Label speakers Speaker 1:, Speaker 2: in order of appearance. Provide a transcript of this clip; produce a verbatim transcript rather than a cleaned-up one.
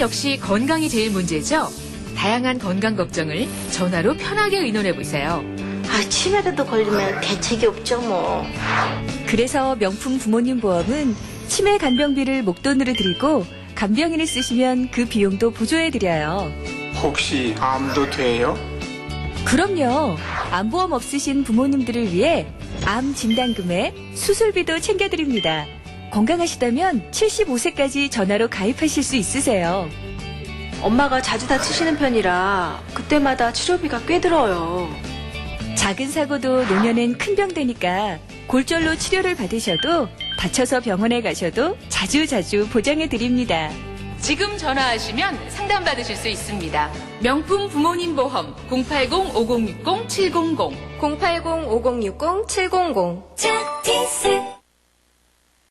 Speaker 1: 역시 건강이 제일 문제죠? 다양한 건강 걱정을 전화로 편하게 의논해보세요.
Speaker 2: 아, 치매라도 걸리면 대책이 없죠, 뭐.
Speaker 3: 그래서 명품 부모님 보험은 치매 간병비를 목돈으로 드리고 간병인을 쓰시면 그 비용도 보조해드려요.
Speaker 4: 혹시 암도 돼요?
Speaker 3: 그럼요. 암보험 없으신 부모님들을 위해 암 진단금에 수술비도 챙겨드립니다. 건강하시다면 칠십오 세까지 전화로 가입하실 수 있으세요.
Speaker 5: 엄마가 자주 다치시는 편이라 그때마다 치료비가 꽤 들어요.
Speaker 3: 작은 사고도 노년엔 큰 병 되니까 골절로 치료를 받으셔도 다쳐서 병원에 가셔도 자주자주 보장해드립니다.
Speaker 1: 지금 전화하시면 상담받으실 수 있습니다. 명품 부모님 보험 공팔공 오공육공 칠공공
Speaker 6: 공팔공 오공육공 칠공공.
Speaker 7: 자, 티스